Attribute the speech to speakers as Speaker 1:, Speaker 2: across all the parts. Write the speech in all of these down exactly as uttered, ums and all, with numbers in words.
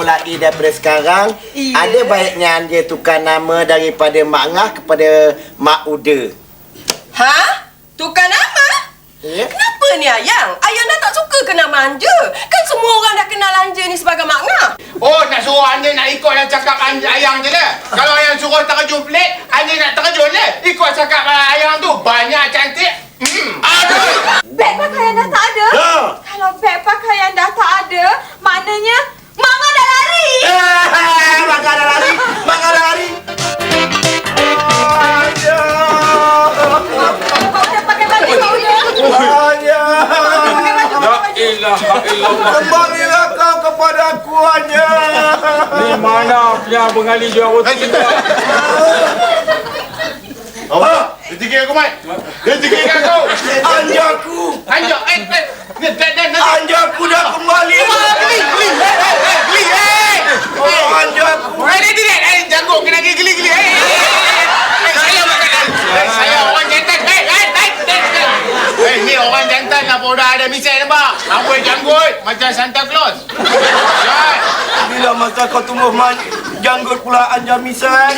Speaker 1: mulai daripada sekarang, iya. Ada baiknya anda tukar nama daripada Mak Ngah kepada Mak Uda.
Speaker 2: Ha? Tukar nama?
Speaker 1: Ya.
Speaker 2: Kenapa ni Ayang? Ayang dah tak suka ke nama anda? Kan semua orang dah kenal anda ni sebagai Mak Ngah.
Speaker 3: Oh, nak suruh anda nak ikut yang cakap Ayang je lah. Kalau Ayang suruh terjun pelik, anda nak terjun lah. Ikut cakap Ayang tu. Banyak cantik. Hmm. Aduh.
Speaker 4: Beg pakaian dah tak ada?
Speaker 1: Ha.
Speaker 4: Kalau beg pakaian dah tak ada, maknanya Mak Ngah dah lari.
Speaker 1: Eh, Mak Ngah dah lari. Mak Ngah dah lari.
Speaker 4: Pak Uda pakai baju, Pak Uda.
Speaker 1: Hanya.
Speaker 4: Pakai baju, pakai baju.
Speaker 5: Ilaha illallah.
Speaker 1: Kembalilah kau kepada aku hanya.
Speaker 5: Ni mana punya bengali jual roti?
Speaker 3: Apa? Dia tinggi aku, Mat. Dia tinggi aku.
Speaker 1: Anjaku.
Speaker 3: Anjak. Eh, eh. Ni, dan, dan, dan.
Speaker 1: Anjaku dah kembali.
Speaker 3: Geli, geli. Eh, eh, eh. Geli, eh.
Speaker 1: Oh, anjaku.
Speaker 3: Eh, dia tidak. Eh, jago kena geli, geli. Eh, eh, eh. Eh, saya makan. Eh, saya orang jantan. Eh, eh, eh, eh. Eh, ni orang jantan lah. Dah ada misal nampak. Rambut janggut. Macam Santa Claus. Jangan.
Speaker 1: Bila masa kau tumbuh manja, janggut pula anja misal.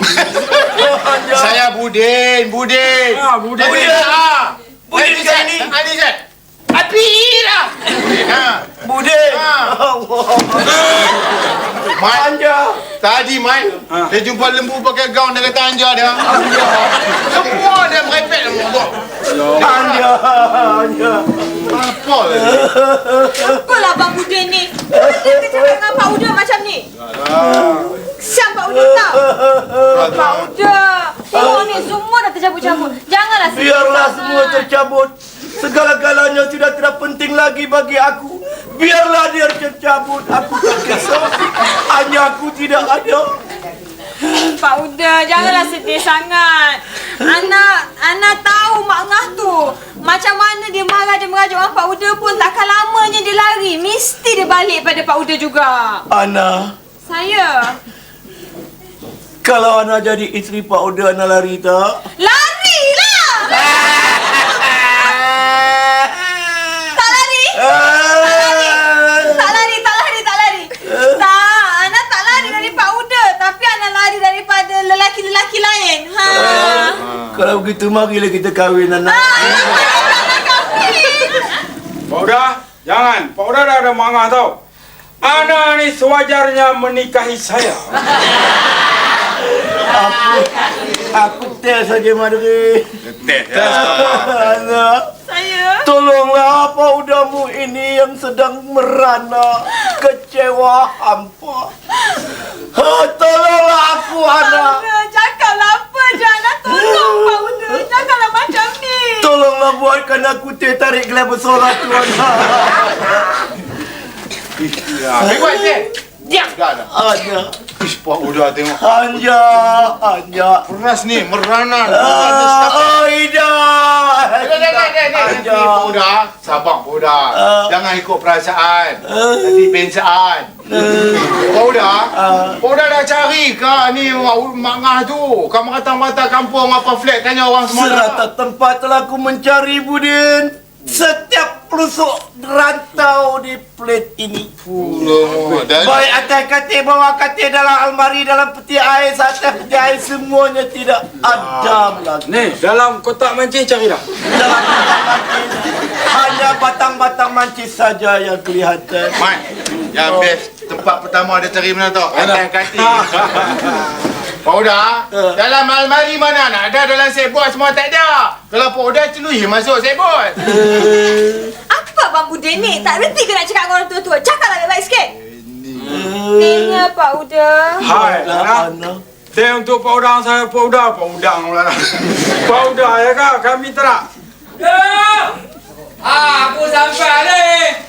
Speaker 3: Saya Budin, Budin.
Speaker 5: Ah, Budin.
Speaker 3: Budin. Ah.
Speaker 1: Budin
Speaker 3: Eh,
Speaker 1: kan ni?
Speaker 3: Ah, ni Zat. Api lah. Budin. Ha.
Speaker 1: Budin.
Speaker 3: Ah.
Speaker 1: Allah.
Speaker 3: Mat,
Speaker 1: Anja.
Speaker 3: tadi Mat,
Speaker 5: Ha.
Speaker 3: dia jumpa lembu pakai gaun dia kata anja dia. Semua dia merepek lembu.
Speaker 1: Anja. Anja.
Speaker 3: Apa lah?
Speaker 4: Apalah Abang Uda ni? Kenapa dia cakap dengan Pak Uda macam ni? Siap Pak Uda tak? Pak Uda. Tengok ni, semua dah tercabut-cabut. Janganlah sedih
Speaker 1: Biarlah
Speaker 4: sangat.
Speaker 1: semua tercabut. Segala-galanya sudah tidak penting lagi bagi aku. Biarlah dia tercabut. Aku tak kisah. Hanya aku tidak ada.
Speaker 4: Pak Uda, janganlah sedih sangat. Anak, anak tahu Mak Ngah tu. Macam mana dia marah, dia merajuk dengan Pak Uda pun takkan lamanya dia lari. Mesti dia balik pada Pak Uda juga.
Speaker 1: Ana,
Speaker 4: Saya.
Speaker 1: kalau Ana jadi isteri Pak Uda, Ana lari tak?
Speaker 4: Larilah! Tak lari? Tak lari, tak lari, tak lari. Tak, Ana tak lari dari Pak Uda. Tapi Ana lari daripada lelaki-lelaki lain. Ha.
Speaker 1: Kalau begitu, marilah kita kahwin, Ana.
Speaker 5: Pak Uda, jangan. Pak Uda dah ada mangah tau. Ana ni sewajarnya menikahi saya.
Speaker 1: Aku, aku tes saja, Madri.
Speaker 3: Tes.
Speaker 1: Ana,
Speaker 4: Saya.
Speaker 1: tolonglah Pak Udamu ini yang sedang merana, kecewa hampa. Ha, tolonglah aku,
Speaker 4: Pak
Speaker 1: Ana.
Speaker 4: Uda, cakaplah apa je. Ana tolong Pak Uda. Janganlah macam ni.
Speaker 1: Tolonglah buatkan aku teh tarik gelas bersorak tu, Ana.
Speaker 3: Ambil buat je. Diam dah dah.
Speaker 1: Ana.
Speaker 3: Ish, Pak Uda tengok.
Speaker 1: Anja, Anja.
Speaker 3: Peras ni, meranan.
Speaker 1: Ah, Aida.
Speaker 3: Dah, dah, dah, dah, dah. Nanti Pak Uda, sabar Pak Uda. Jangan ikut perasaan. Nanti pensaan. Pak Uda, Pak Uda dah cari ke ni Mak Ngah tu? Kau merata-merata kampung apa flat, tanya orang semua.
Speaker 1: Serata tempat telah aku mencari, Budin. Setiap pelusuk rantau di plat ini.
Speaker 3: Fuh, dah.
Speaker 1: Baik atas katil, bawah katil, dalam almari, dalam peti air, atas peti air, semuanya tidak ada lagi.
Speaker 5: Ni, dalam kotak mancing cari dah.
Speaker 1: Dalam kotak mancis, hanya batang-batang mancis saja yang kelihatan.
Speaker 3: Mat, yang best tempat pertama dia cari mana tau? Atas katil. Pak Uda, dalam almari mana nak ada, dalam sebot semua tak ada. Kalau Pak Uda celui masuk sebot.
Speaker 4: Apa Abang Uda ni? Tak berhenti ke nak cakap dengan orang tua-tua? Cakaplah baik-baik sikit. Tengok Pak Uda.
Speaker 5: Hai,
Speaker 1: Ana.
Speaker 5: Ana. Teh untuk Pak Udang saya, Pak Udang. Pak Udang pula. Pak Udang ya kak, kami tak. Ya! Ah, aku sampai ni.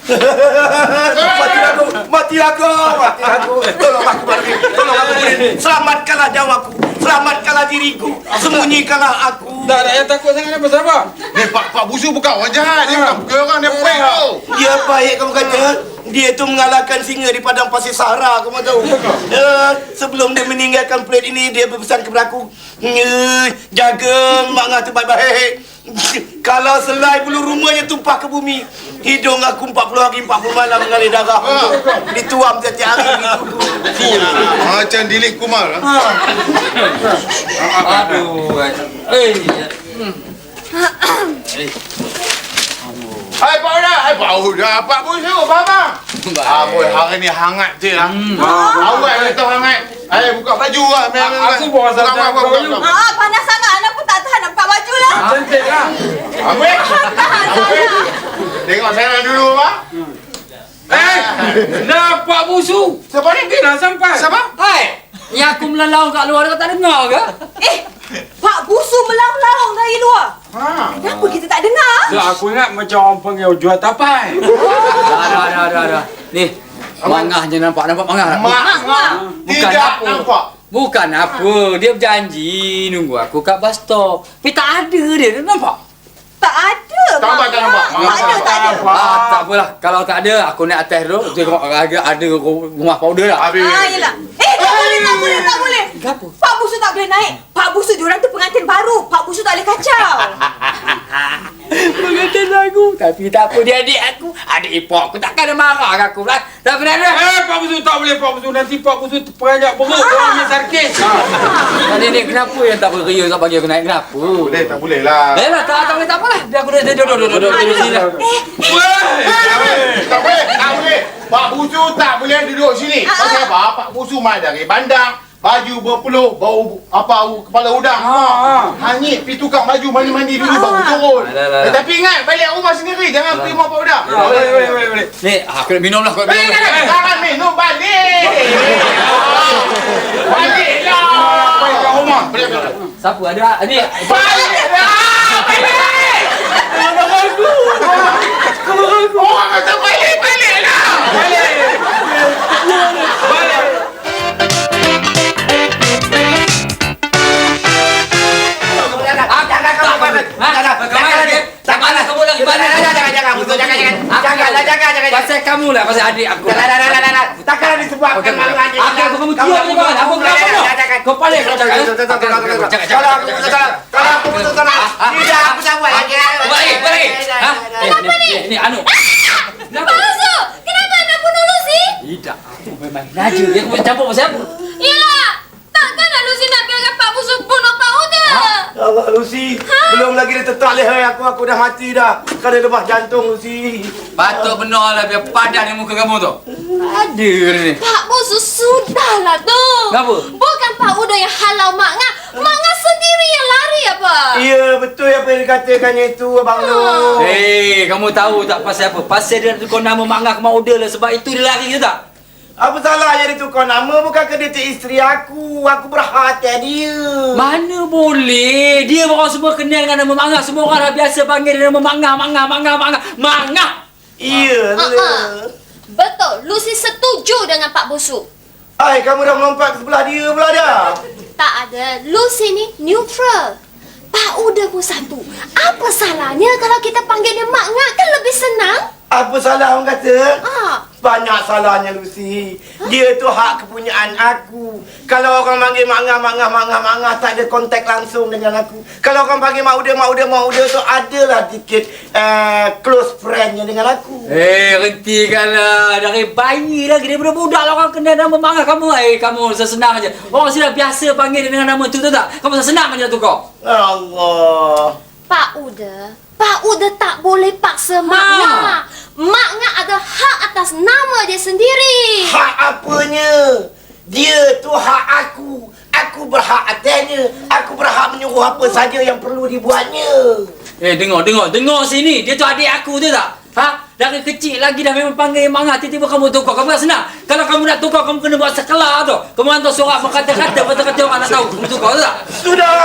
Speaker 1: Mati aku, mati aku, mati aku. Tolong aku, Budin. Tolong aku, Budin. Selamatkanlah nyawaku. Selamatkanlah diriku. Sembunyikanlah aku.
Speaker 5: Tak ada yang takut sangat apa siapa?
Speaker 3: Ni Pak Pak Busu bukan orang jahat. Dia bukan bukan orang, dia baik tau.
Speaker 1: Dia baik kamu kata. Dia tu mengalahkan singa di padang pasir Sahara, kamu tahu. Uh, sebelum dia meninggalkan planet ini, dia berpesan kepada aku, uh, jaga mak ngah tu baik-baik. Kalau selai bulu rumahnya tumpah ke bumi, hidung aku empat puluh hari empat puluh malam mengalir darah. Dituam setiap hari gitu.
Speaker 3: Macam Dilip Kumar. Ha?
Speaker 5: Aduh. Eh.
Speaker 3: Hai Pak Uda, hai Pak Uda, Pak Busu, Mama. Ah, boy, hari ni hangat je lah. Awak kata hangat. Hai, buka baju lah.
Speaker 5: Aku bawa saja baju.
Speaker 4: Ah, panas sangat. Anak pun tak tahan nak buka baju lah.
Speaker 5: Cantik lah.
Speaker 3: Ambil. Ambil. Tengok saya dulu, Pak.
Speaker 5: Eh, dah Pak Busu.
Speaker 3: Siapa ni?
Speaker 5: Dia dah sampai.
Speaker 3: Siapa?
Speaker 6: Hai, yang aku melalau kat luar kau tak dengar ke?
Speaker 4: Eh, Pak Busu melaung-laung dari luar.
Speaker 3: Ha.
Speaker 4: Kenapa kita tak dengar?
Speaker 5: Tak, aku ingat macam orang panggil jual tapai.
Speaker 6: Dah, dah, dah, dah, dah. Ni, mangah je nampak, nampak mangah.
Speaker 3: Mak, mak.
Speaker 6: Bukan
Speaker 3: Tidak
Speaker 6: apa.
Speaker 3: nampak.
Speaker 6: Bukan apa, dia berjanji nunggu aku kat bus stop. Tapi tak ada dia, dia nampak?
Speaker 4: Tak ada.
Speaker 3: Tak nampak, tak nampak.
Speaker 4: Tak ada, tak ada.
Speaker 6: Ah, tak apalah. Kalau tak ada, aku naik atas tu. Tengok ada, ada rumah powder lah.
Speaker 3: Habis.
Speaker 4: Ah, yelah. Eh, tak boleh, tak boleh, tak boleh.
Speaker 6: Kenapa?
Speaker 4: Pak Busu tak boleh naik. Pak Busu diorang tu pengantin baru. Pak Busu tak boleh kacau.
Speaker 6: Pengantin aku. Tapi tak apa, dia adik aku. Adik ipok aku takkan dia marah kat aku lah. Tak pernah ada.
Speaker 5: Eh, Pak Busu tak boleh Pak Busu. Nanti Pak Busu terperanjat beruk. Orang ambil sarkis.
Speaker 6: Ha. Nenek kenapa yang tak beria tak bagi aku naik? Kenapa?
Speaker 3: Boleh, tak boleh lah.
Speaker 6: Eh lah, tak, tak boleh, tak apalah. Biar aku dah duduk, duduk, duduk, duduk sini lah.
Speaker 3: Tak boleh, tak boleh. Pak Busu tak boleh duduk sini. Pasal apa? Pak Busu mai dari bandar. Baju berpeluh, bau apa kepala udang.
Speaker 5: Ha,
Speaker 3: Hanyut pergi tukar baju mandi-mandi dulu baru turun.
Speaker 6: Alah, alah.
Speaker 3: Eh, tapi ingat balik rumah sendiri, jangan pergi rumah Pak Udang.
Speaker 5: Boleh, boleh, boleh, boleh.
Speaker 6: Ni, aku nak minum lah. Aku nak
Speaker 3: Eh,
Speaker 6: minum
Speaker 3: jangan,
Speaker 6: lah.
Speaker 3: jangan minum balik. Baliklah.
Speaker 5: Pergi kat rumah.
Speaker 3: Balik, balik.
Speaker 6: Siapa ada? Ni.
Speaker 3: Baliklah. Balik. Orang kata balik, baliklah.
Speaker 5: Balik. Balik.
Speaker 6: Pasal kamu lah, pasal adik aku.
Speaker 1: Takkanlah disebabkan malu anjing.
Speaker 6: Aku aku kamu diam ni bang. Apa kau? Kau paling kau jangan.
Speaker 1: Kalau aku putus tolak, kalau aku putus tolak, tidak aku sambut lagi.
Speaker 6: Balik, balik. Ha? Kenapa ni? Ni anu.
Speaker 4: Pak Busu, kenapa anda bunuh Lucy?
Speaker 6: Tidak. Aku memang raja. Dia aku campur pasal apa?
Speaker 4: Yelah, takkanlah Lucy nak biarkan Pak Busu bunuh Pak Uda.
Speaker 1: Allah Lucy, belum lagi dia tetap leher aku, aku dah mati dah. Kena lebah jantung Lucy.
Speaker 6: Patut benar lah biar padan yang muka kamu tu. Ada ni.
Speaker 4: Pak Busu, sudahlah tu.
Speaker 6: Kenapa?
Speaker 4: Bukan Pak Uda yang halau Mak Ngah. Mak Ngah sendiri yang lari apa?
Speaker 1: Ya, betul apa yang dikatakannya itu, Abang Lu.
Speaker 6: Hei, kamu tahu tak pasal apa? Pasal dia tukar nama Mak Ngah ke Mak Uda lah. Sebab itu dia lari ke tak?
Speaker 1: Apa salahnya dia tukar nama? Bukankah dia tu isteri aku? Aku berhak atas dia.
Speaker 6: Mana boleh? Dia orang semua kenal dengan nama Mak Ngah. Semua orang dah biasa panggil dia nama Mak Ngah, Mak Ngah, Mak Ngah, Mak Ngah. Mak Ngah!
Speaker 1: Iya,
Speaker 4: Ah, ah. Betul, Lucy setuju dengan Pak Busu.
Speaker 1: Hai, kamu dah melompat ke sebelah dia pula dah.
Speaker 4: Tak ada, Lucy ni neutral. Pak Uda pun satu. Apa salahnya kalau kita panggil dia Mak Ngah? Kan lebih senang.
Speaker 1: Apa salah orang kata?
Speaker 4: Ah.
Speaker 1: Banyak salahnya Lucy. Dia tu hak kepunyaan aku. Kalau orang panggil Mak Ngah, Mak Ngah, Mak Ngah, Mak Ngah, tak ada kontak langsung dengan aku. Kalau orang panggil Mak Uda, Mak Uda, Mak Uda tu adalah dikit uh, close friendnya dengan aku.
Speaker 6: Eh, hentikanlah. Dari bayi lagi. Daripada budak lah orang kenal nama Mak Ngah. Kamu, eh, kamu sesenang aja. Orang sini dah biasa panggil dia dengan nama tu, tahu tak? Kamu sesenang aja tu kau.
Speaker 1: Allah.
Speaker 4: Pak Uda, Pak Uda tak boleh paksa Mak
Speaker 6: Ha.
Speaker 4: Ngah. Mak Ngah ada hak atas nama dia sendiri.
Speaker 1: Hak apanya? Dia tu hak aku. Aku berhak atasnya. Aku berhak menyuruh apa saja yang perlu dibuatnya.
Speaker 6: Eh, dengar, dengar, dengar sini. Dia tu adik aku, tahu tak? Ha? Dari kecil lagi dah memang panggil Mak Ngah. Tiba-tiba kamu tukar. Kamu tak senang. Kalau kamu nak tukar, kamu kena buat sekelar tu. Kamu hantar surat berkata-kata, betul-betul orang nak tahu. Kamu tukar, tahu tak?
Speaker 1: Sudah.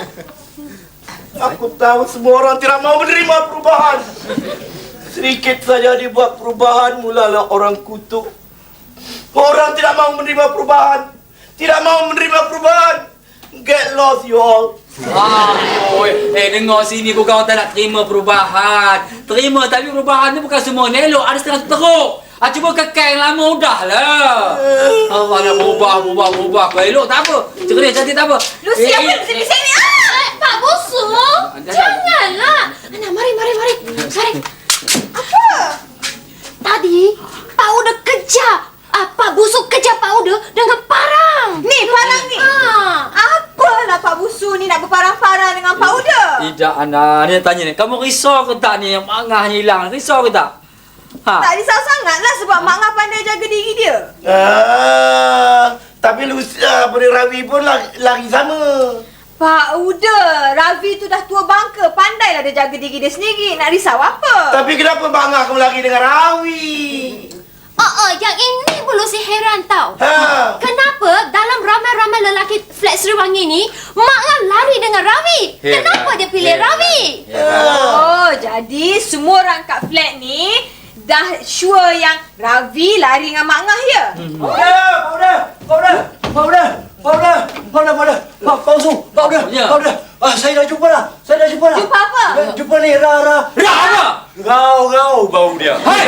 Speaker 1: Aku tahu semua orang tidak mau menerima perubahan. Sedikit saja dibuat perubahan, mulalah orang kutuk. Orang tidak mau menerima perubahan. Tidak mau menerima perubahan. Get lost you all.
Speaker 6: Ah, oi. Eh, dengar sini bukan orang tak nak terima perubahan. Terima, tapi perubahan ni bukan semua elok. Ada setengah tu teruk. Ah, cuba kekal yang lama udahlah. Allah nak berubah, berubah, berubah. Kau elok tak apa. Cakap dia cantik tak apa.
Speaker 4: Lucy, apa yang sini sini? Ah, Pak Bosu. Janganlah. Ana, mari, mari, mari. Mari. Apa? Tadi, Pak Uda kejar. Ah, Pak Busuk kejar Pak Uda dengan parang. Ni, parang ni. Ah. Apalah Pak Busu ni nak berparang-parang dengan Pak Uda?
Speaker 6: Tidak, Ana. Ni nak tanya ni. Kamu risau ke tak ni yang mangah ni hilang? Risau ke tak? Ha.
Speaker 4: Tak risau sangatlah sebab Mak Ngah pandai jaga diri dia.
Speaker 1: Ah, tapi Lucia pada Rawi pun lari, lari sama.
Speaker 4: Pak Uda, Ravi tu dah tua bangka. Pandailah dia jaga diri dia sendiri. Nak risau apa?
Speaker 1: Tapi kenapa Mak Ngah kamu lari dengan Rawi?
Speaker 7: Oh, oh, yang ini perlu si heran tau.
Speaker 1: Ha.
Speaker 7: Kenapa dalam ramai-ramai lelaki flat Seriwangi ni, Mak Ngah lari dengan Ravi? Kenapa dia pilih Ravi?
Speaker 4: Oh, jadi semua orang kat flat ni dah sure yang Ravi lari dengan Mak Ngah ya?
Speaker 8: Pauda, pauda, pauda, pauda, pauda, pauda, pauda, Pak Pausu, pauda,
Speaker 6: Ya.
Speaker 8: pauda. Ah, saya dah jumpa dah, saya dah jumpa dah.
Speaker 4: Jumpa apa?
Speaker 8: Eh, Jumpa ni, Ra, Ra.
Speaker 6: Ra apa?
Speaker 8: Rau, rau bau dia.
Speaker 6: Hai!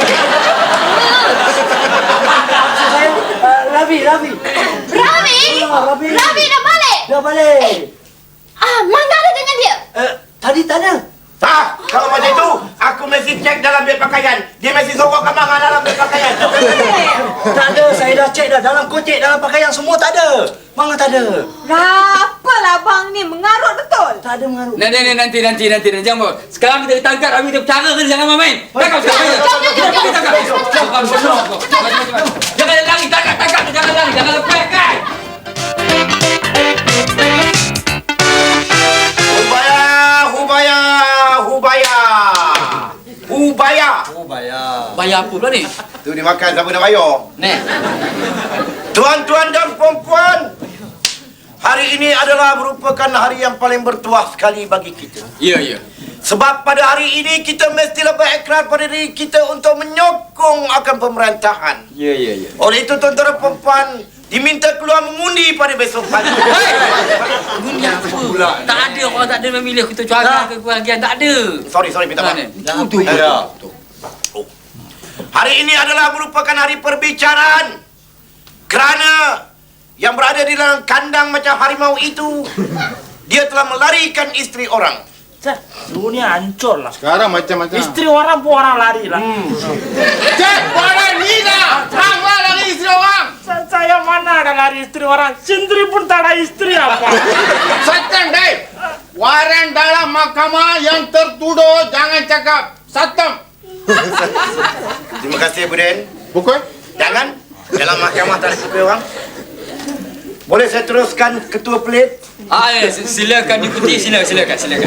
Speaker 8: Maksud saya, ah, Ravi, Ravi.
Speaker 7: Ravi?
Speaker 8: Ah, Ravi.
Speaker 7: Ravi dah balik?
Speaker 8: Dah balik.
Speaker 7: Ah, Mak Ngah ada dengan dia?
Speaker 8: Eh, tadi tak ada.
Speaker 1: Tak, kalau macam itu, aku mesti cek dalam beg pakaian. Dia mesti sorok ke Mak Ngah dalam beg pakaian.
Speaker 8: Tak ada, saya dah cek dah. Dalam kocek, dalam pakaian semua tak ada. Mana tak ada.
Speaker 4: Apalah abang ni mengarut betul.
Speaker 8: Tak ada mengaruh.
Speaker 6: Nanti, nanti, nanti, nanti, nanti, nanti, jangan buat. Sekarang kita tangkap Ravi kita bercara ke jangan main. Tangkap sekarang. Jangan tangkap. Jangan lari, tangkap, tangkap, jangan lari, jangan lepaskan.
Speaker 1: Hubaya, hubaya, hubaya. Hubaya.
Speaker 8: Oh, bayar.
Speaker 6: Bayar apa pula ni?
Speaker 1: Tu dimakan siapa nak bayar?
Speaker 6: Nih.
Speaker 1: Tuan-tuan dan puan-puan, hari ini adalah merupakan hari yang paling bertuah sekali bagi kita.
Speaker 6: Ya, ya.
Speaker 1: Sebab pada hari ini kita mestilah berikrar pada diri kita untuk menyokong akan pemerintahan.
Speaker 6: Ya, ya, ya.
Speaker 1: Oleh itu tuan-tuan dan puan-puan diminta keluar mengundi pada besok pagi.
Speaker 6: Ini apa? Tak ada orang tak ada memilih kita cuaga ke kebahagiaan. Tak ada.
Speaker 1: Sorry, sorry, minta maaf.
Speaker 6: Itu, itu.
Speaker 1: Ya. Hari ini adalah merupakan hari perbicaraan. Kerana yang berada di dalam kandang macam harimau itu, dia telah melarikan isteri orang.
Speaker 9: Dunia hancur lah.
Speaker 3: Sekarang macam-macam.
Speaker 9: Isteri orang pun orang lari lah.
Speaker 3: Cek, orang ni dah. Hang lah lari isteri orang.
Speaker 9: Sa- Saya mana ada lari isteri orang. Sendiri pun tak ada isteri apa.
Speaker 3: Satam, Dave. Waran dalam mahkamah yang tertuduh jangan cakap. Satam.
Speaker 1: Terima kasih, Buden.
Speaker 3: Pukul?
Speaker 1: Jangan. Dalam mahkamah tak ada isteri orang. Boleh saya teruskan ketua pelit?
Speaker 6: Ah, ya, silakan diikuti, silakan, silakan, silakan.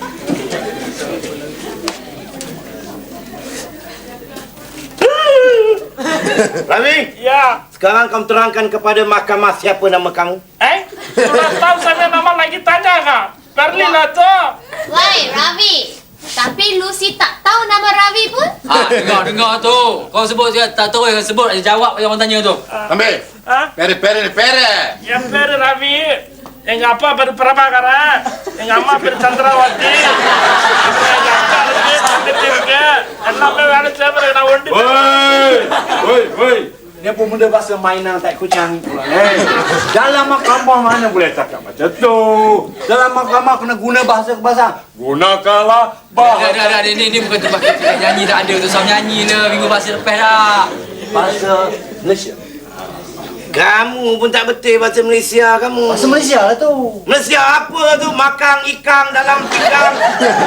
Speaker 1: Ravi,
Speaker 9: Ya.
Speaker 1: sekarang kamu terangkan kepada mahkamah siapa nama kamu.
Speaker 9: Eh? Sudah tahu saya nama lagi tanya kak. Berlin lah tu.
Speaker 7: Woi, Ravi. Tapi Lucy tak tahu nama Ravi pun?
Speaker 6: Ah, dengar, dengar tu. Kau sebut dia tak tahu yang sebut dia jawab yang orang tanya tu.
Speaker 3: Ambil.
Speaker 9: Ah?
Speaker 3: Pere, pere, pere.
Speaker 9: Yang beri Ravi. Yang apa beri Prabhakara. Yang ama beri Chandrawati. Yang apa lagi Pandit Tirga. Enak memang saya beri nak undi.
Speaker 8: Woi, woi, woi. Ni apa benda bahasa mainan tak kucang pula. Eh, dalam mahkamah mana boleh cakap macam tu? Dalam mahkamah kena guna bahasa kebangsaan. Gunakanlah
Speaker 6: Dah,
Speaker 8: bahasa
Speaker 6: dah, dah, ni, ni bukan tempat kita nyanyi tak ada tu. Sama nyanyi lah minggu pasal lepas dah.
Speaker 8: bahasa Malaysia.
Speaker 1: Kamu pun tak betul bahasa Malaysia kamu.
Speaker 8: Bahasa Malaysia lah tu.
Speaker 1: Malaysia apa tu? Makan ikan dalam pinggang.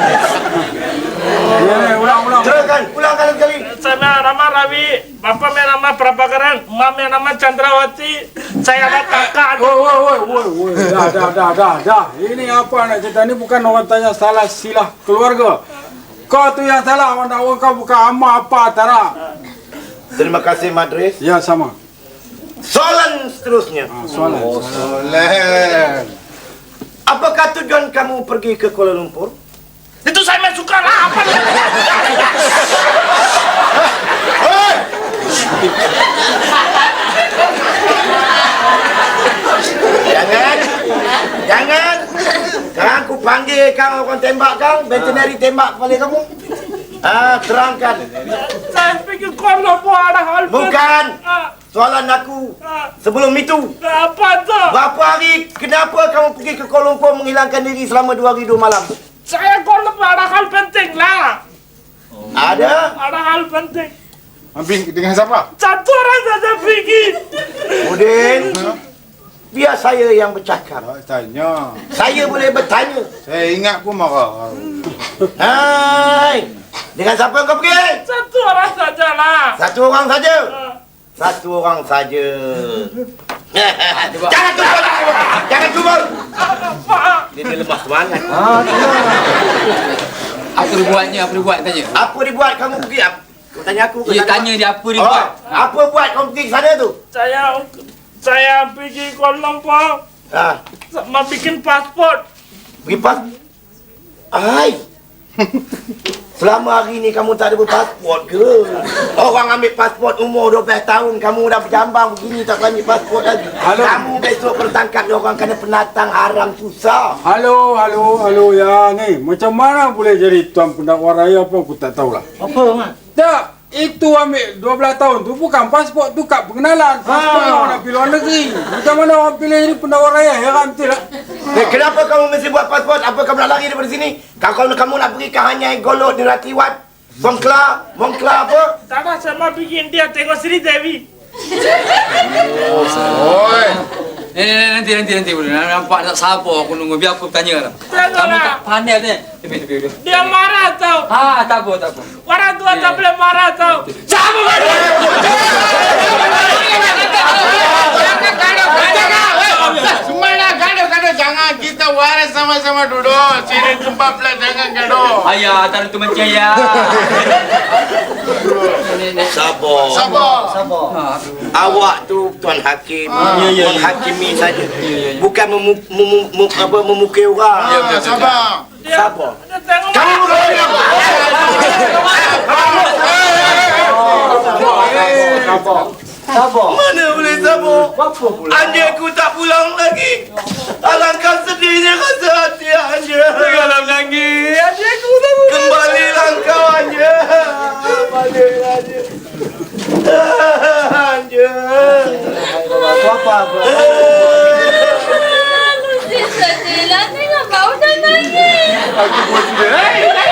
Speaker 8: Ya, ulang, ulang.
Speaker 1: Teruskan, ulang kali sekali.
Speaker 9: Saya nama Ravi. Bapak saya nama Prabhakaran. Mak saya nama Chandrawati. Saya ada kakak.
Speaker 5: Woi, woi, woi, woi, woi. Dah, dah, dah, dah, dah. Ini apa nak cerita ni bukan orang tanya salah silah keluarga. Kau tu yang salah, orang dah kau bukan ama apa tara.
Speaker 1: Terima kasih Madris.
Speaker 5: Ya, sama.
Speaker 1: Soalan seterusnya.
Speaker 5: Ah, soalan.
Speaker 3: Oh, soalan.
Speaker 1: Apakah tujuan kamu pergi ke Kuala Lumpur?
Speaker 9: Itu saya main suka lah. Apa ni?
Speaker 1: Jangan. Jangan. Sekarang aku panggil kang orang tembak kang. Veterinary tembak kepala kamu. Ah, terangkan.
Speaker 9: Saya pergi bikin kolombo ada hal
Speaker 1: Bukan.
Speaker 9: Ah,
Speaker 1: Soalan aku.
Speaker 9: ah,
Speaker 1: Sebelum itu.
Speaker 9: apa tu?
Speaker 1: Berapa hari, kenapa kamu pergi ke Kuala Lumpur menghilangkan diri selama dua hari dua malam?
Speaker 9: Saya kolombo ada hal penting lah.
Speaker 1: Ada?
Speaker 9: Ada hal penting.
Speaker 3: Ambil dengan siapa?
Speaker 9: Satu orang saja pergi.
Speaker 1: Udin, biar saya yang bercakap.
Speaker 3: Tak tanya.
Speaker 1: Saya boleh bertanya.
Speaker 3: Saya ingat pun marah.
Speaker 1: Hai, dengan siapa kau pergi?
Speaker 9: Satu orang saja lah.
Speaker 1: Satu orang saja.
Speaker 9: Ah,
Speaker 1: Satu orang saja. Jangan tubal. Jangan tubal.
Speaker 9: Pak.
Speaker 1: Dia, dia lemah semangat.
Speaker 6: Apa dia buatnya? Apa dia buat tanya?
Speaker 1: Apa dibuat kamu pergi? Apa? Kau tanya aku. kau
Speaker 6: Dia
Speaker 1: tanya
Speaker 6: tanya dia apa dia
Speaker 1: Oh,
Speaker 6: buat.
Speaker 1: apa buat kamu pergi ke sana tu?
Speaker 9: Saya saya pergi Kuala Lumpur
Speaker 1: Ah,
Speaker 9: mau bikin paspor.
Speaker 1: pergi pas. Ai. Selama hari ni kamu tak ada berpasport ke? Orang ambil pasport umur dua belas tahun, kamu dah berjambang begini tak ambil pasport lagi.
Speaker 5: Halo.
Speaker 1: Kamu besok bertangkap dia orang kena penatang haram susah.
Speaker 5: Halo, halo, halo ya ni. Macam mana boleh jadi tuan pendakwa raya apa aku tak tahulah.
Speaker 1: Apa mak?
Speaker 5: Tak, itu ambil dua belas tahun tu bukan pasport tu kad pengenalan. Pasport
Speaker 1: Ah.
Speaker 5: orang nak pergi luar negeri. Macam mana orang pilih jadi pendakwa raya? Heran betul tak?
Speaker 1: Eh, kenapa kamu mesti buat pasport? Apa kamu nak lari daripada sini? Kalau kamu nak pergi ke Hanyai, Golot, Niratiwat, Songkla, Mongkla apa?
Speaker 9: Tak ada, saya mau bikin dia tengok Sri Devi.
Speaker 3: Oi.
Speaker 6: Eh, eh, nanti nanti nanti boleh. Nampak tak sabar aku nunggu biar aku tanya lah. Kamu tak pandai tanya. Lebih lebih lebih.
Speaker 9: Dia marah tau.
Speaker 6: Ah, tak apa tak apa.
Speaker 9: Orang tua tak boleh marah tau.
Speaker 6: Siapa mana?
Speaker 3: Semuanya gaduh-gaduh. Jangan kita waras sama-sama duduk. Sini tempat pula jangan gaduh.
Speaker 6: Ayah, tak ada tu macam ya.
Speaker 1: Sabar.
Speaker 3: Sabar.
Speaker 1: Awak tu Tuan Hakim,
Speaker 6: Ya, ya, ya.
Speaker 1: menghakimi saja.
Speaker 6: ya, ya.
Speaker 1: Bukan memu, memu, memu, apa, memukul orang.
Speaker 3: Ah, sabar.
Speaker 9: Dia,
Speaker 1: Sabar.
Speaker 9: dia tengok
Speaker 1: Kamu bukan Sabar. Mana boleh sabar? Apa pula? Anjaku tak pulang lagi. Alangkah sedihnya rasa hati Anja. Kalau lagi, anjaku tak pulang. Kembalilah kau Anja. Kembalilah Anja. Anja. Apa-apa.
Speaker 7: Lucy sedihlah tengok Pak Uda nangis.
Speaker 3: Aku pun sedih.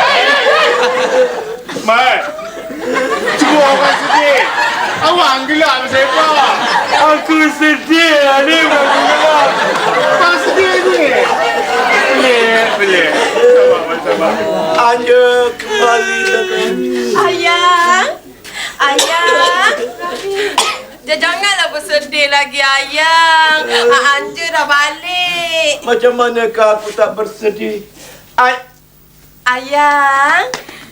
Speaker 3: Mat. Semua orang sedih. Awak gelap siapa?
Speaker 9: aku sedih ni aku gelap.
Speaker 3: Kau sedih ni.
Speaker 9: Boleh, boleh. Sabar, sabar.
Speaker 1: Anja kembalilah kau.
Speaker 2: Ayang. Ayang. Dia janganlah bersedih lagi ayang. Ah, Anja dah balik.
Speaker 1: Macam manakah aku tak bersedih? Ay,
Speaker 2: Ayang.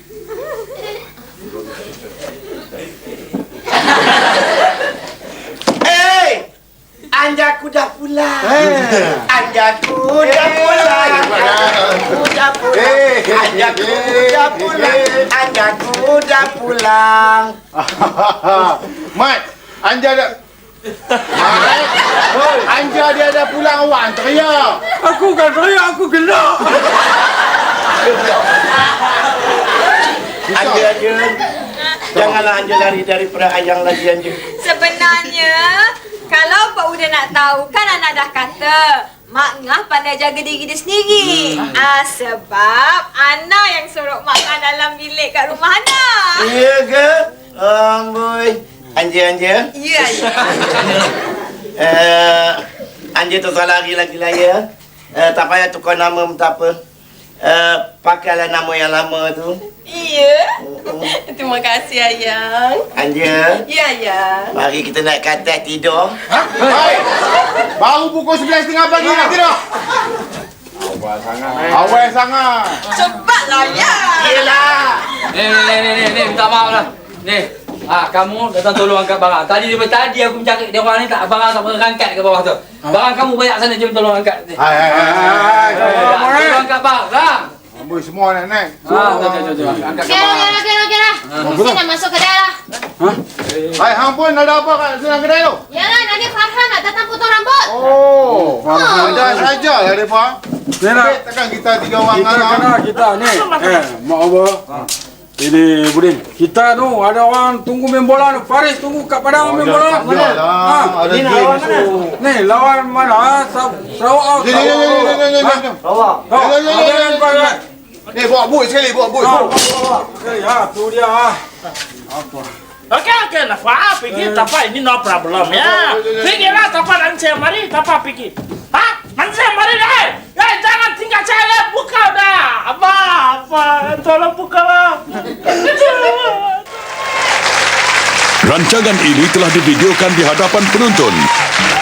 Speaker 1: eh, Anjaku dah pulang. Anjaku dah pulang. Anjaku dah pulang. Anjaku dah pulang. Anjaku dah pulang.
Speaker 3: Mat, Anja dah. Mat, Anja dia dah pulang awak teriak.
Speaker 5: Aku kan raya, aku gelak.
Speaker 1: Anja, Anja. Janganlah Anja lari daripada ayang lagi, Anja.
Speaker 4: Sebenarnya, kalau Pak Uda nak tahu, kan Ana dah kata Mak Ngah pandai jaga diri dia sendiri. Hmm. Ah, sebab Ana yang suruh Mak Ngah dalam bilik kat rumah Ana.
Speaker 1: Iya ke? Amboi. Anja, Anja.
Speaker 2: Ya, ya.
Speaker 1: Eh, Anja tu salah lari lagi lah ya. Eh, tak payah tukar nama pun tak apa. Eh, pakailah nama yang lama tu.
Speaker 2: Iya. Terima kasih ayang.
Speaker 1: Anja.
Speaker 2: Ya, ya.
Speaker 1: Mari kita naik ke atas tidur.
Speaker 3: Hai. Baru pukul sebelas tiga pagi nak tidur. Awal sangat. Awal sangat.
Speaker 2: Cepatlah ya.
Speaker 1: Yelah.
Speaker 6: Ni ni ni ni ni, ni minta maaf lah. Ni. Ah, kamu datang tolong angkat barang. Tadi daripada tadi aku mencari dia orang ni tak barang tak pernah angkat ke bawah tu. Barang kamu banyak sana, jom tolong angkat. Ni.
Speaker 3: Hai hai hai.
Speaker 6: Tolong angkat barang.
Speaker 3: Amboi semua nak naik.
Speaker 6: Ah, jom jom jom. Angkat
Speaker 7: Okey,
Speaker 6: barang.
Speaker 7: okey, okey, okey lah. Mesti nak masuk kedai lah.
Speaker 3: Hai, hang pun ada apa kat dalam kedai tu?
Speaker 7: Yalah, nanti Farhan nak datang potong rambut.
Speaker 3: Oh,
Speaker 5: Farhan.
Speaker 3: ada saja lah depa.
Speaker 5: Ni nak
Speaker 3: Takkan kita tiga orang
Speaker 5: kita
Speaker 3: anak.
Speaker 5: kena kita ni. Eh, mak apa? Ini Budin, kita tu ada orang tunggu main bola tu. Faris tunggu kat padang main bola.
Speaker 3: Mana lah. Ada
Speaker 8: Ni nak
Speaker 3: game
Speaker 8: lawan mana?
Speaker 3: esok.
Speaker 5: Ni lawan mana? Sa- Sarawak.
Speaker 3: Ni, ni, ni, ni, ni, ni, ni, ni.
Speaker 8: Awak.
Speaker 5: Oh,
Speaker 3: Ni, ni, ni, ni,
Speaker 5: jangan
Speaker 3: ni,
Speaker 5: kau
Speaker 3: ni.
Speaker 5: ingat.
Speaker 3: Ni bawa boot sekali, bawa boot.
Speaker 5: Ah,
Speaker 3: bawa.
Speaker 5: okey, ya, tu dia ah. Apa?
Speaker 9: Okey, okey, nak faham pergi, tapi ini no problem ya. Pergilah, tapi nanti mari, tapi pergi. Hah? Nanti mari deh. Eh, jangan tinggal saya, buka dah. Apa, apa, tolong bukalah.
Speaker 10: Rancangan ini telah divideokan di hadapan penonton.